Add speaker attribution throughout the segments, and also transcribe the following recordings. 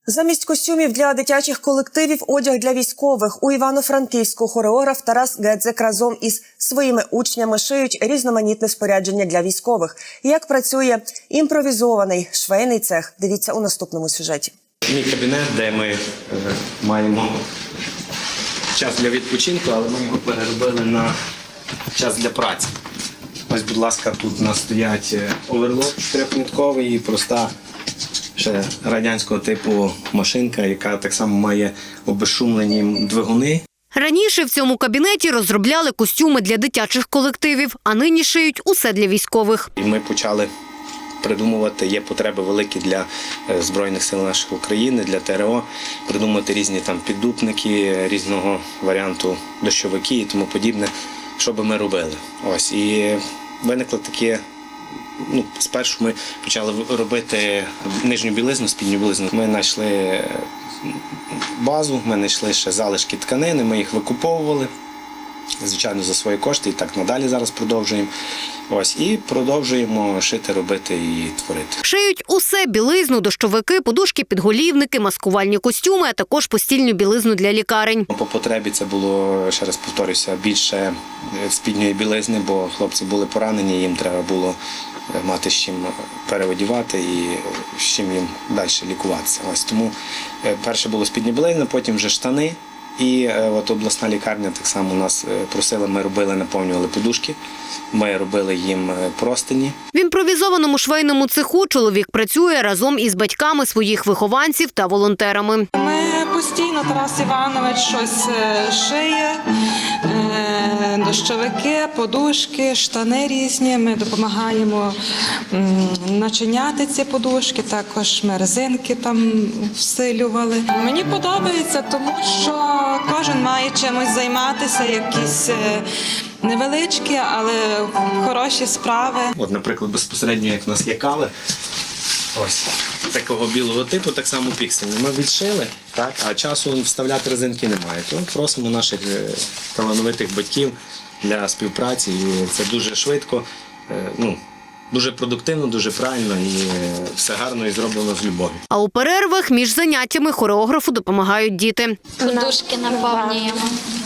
Speaker 1: Замість костюмів для дитячих колективів – одяг для військових. У Івано-Франківську хореограф Тарас Гедзик разом із своїми учнями шиють різноманітне спорядження для військових. Як працює імпровізований швейний цех – дивіться у наступному сюжеті.
Speaker 2: Мій кабінет, де ми маємо час для відпочинку, але ми його переробили на час для праці. Ось, будь ласка, тут у нас стоять оверлок трьохнитковий і проста ще радянського типу машинка, яка так само має обезшумлені двигуни.
Speaker 3: Раніше в цьому кабінеті розробляли костюми для дитячих колективів, а нині шиють усе для військових.
Speaker 2: І ми почали придумувати, є потреби великі для Збройних сил нашої України, для ТРО, придумати різні там піддупники, різного варіанту дощовики і тому подібне, що би ми робили. Ось, і виникло таке. Спершу ми почали робити нижню білизну, спідню білизну. Ми знайшли базу, ми знайшли ще залишки тканини, ми їх викуповували, звичайно, за свої кошти, і так надалі зараз продовжуємо. Ось, і продовжуємо шити, робити і творити.
Speaker 3: Шиють усе – білизну, дощовики, подушки, підголівники, маскувальні костюми, а також постільну білизну для лікарень.
Speaker 2: По потребі це було, ще раз повторюся, більше спідньої білизни, бо хлопці були поранені, їм треба було мати з чим переодівати і з чим їм далі лікуватися. Ось тому перше було спідня білизна, потім вже штани. І от обласна лікарня так само нас просила, ми робили, наповнювали подушки, ми робили їм простині.
Speaker 3: В імпровізованому швейному цеху чоловік працює разом із батьками своїх вихованців та волонтерами.
Speaker 4: Ми постійно, Тарас Іванович щось шиє, дощовики, подушки, штани різні. Ми допомагаємо начиняти ці подушки, також ми резинки там всилювали. Мені подобається, тому що кожен має чимось займатися, якісь невеличкі, але хороші справи.
Speaker 2: От, наприклад, безпосередньо, як в нас є кали, ось такого білого типу, так само піксельні. Ми відшили, так, а часу вставляти резинки немає. То просимо наших талановитих батьків для співпраці. І це дуже швидко, дуже продуктивно, дуже правильно і все гарно і зроблено з любов'ю.
Speaker 3: А у перервах між заняттями хореографу допомагають діти.
Speaker 5: Подушки наповнюємо.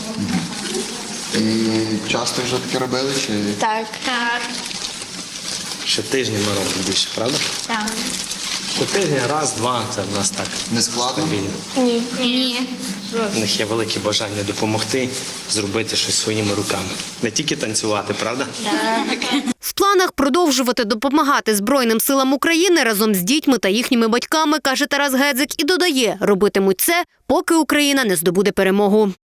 Speaker 6: І часто вже таке робили? Чи?
Speaker 5: Так. Так.
Speaker 2: Ще тижні ми робимо більше, правда?
Speaker 5: Так.
Speaker 2: По тижні, раз, два, це в нас так.
Speaker 6: Не складно?
Speaker 5: Ні.
Speaker 2: У них є велике бажання допомогти, зробити щось своїми руками. Не тільки танцювати, правда?
Speaker 3: В планах продовжувати допомагати Збройним силам України разом з дітьми та їхніми батьками, каже Тарас Гедзик, і додає, робитимуть це, поки Україна не здобуде перемогу.